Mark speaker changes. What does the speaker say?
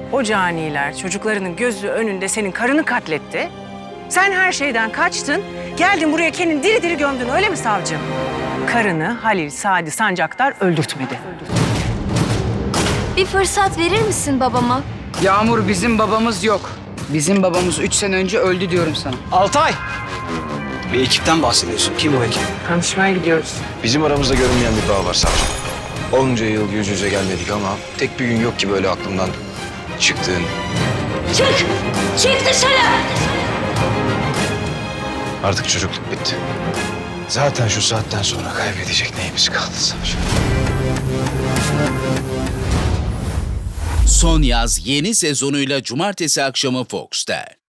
Speaker 1: O caniler çocuklarının gözü önünde senin karını katletti. Sen her şeyden kaçtın, geldin buraya kendini diri diri gömdün, öyle mi savcım? Karını Halil Sadi Sancaktar öldürtmedi.
Speaker 2: Bir fırsat verir misin babama?
Speaker 3: Yağmur, bizim babamız yok. Bizim babamız 3 sene önce öldü diyorum sana.
Speaker 4: Altay! Bir ekipten bahsediyorsun. Kim o ekip?
Speaker 1: Tanışmaya gidiyoruz.
Speaker 5: Bizim aramızda görünmeyen bir bağ var savcım. Onca yıl yüz yüze gelmedik ama tek bir gün yok ki böyle aklımdan çıktığın.
Speaker 2: Çık! Çık dışarı!
Speaker 5: Artık çocukluk bitti. Zaten şu saatten sonra kaybedecek neyimiz kaldı savcım?
Speaker 6: Son Yaz yeni sezonuyla cumartesi akşamı Fox'ta.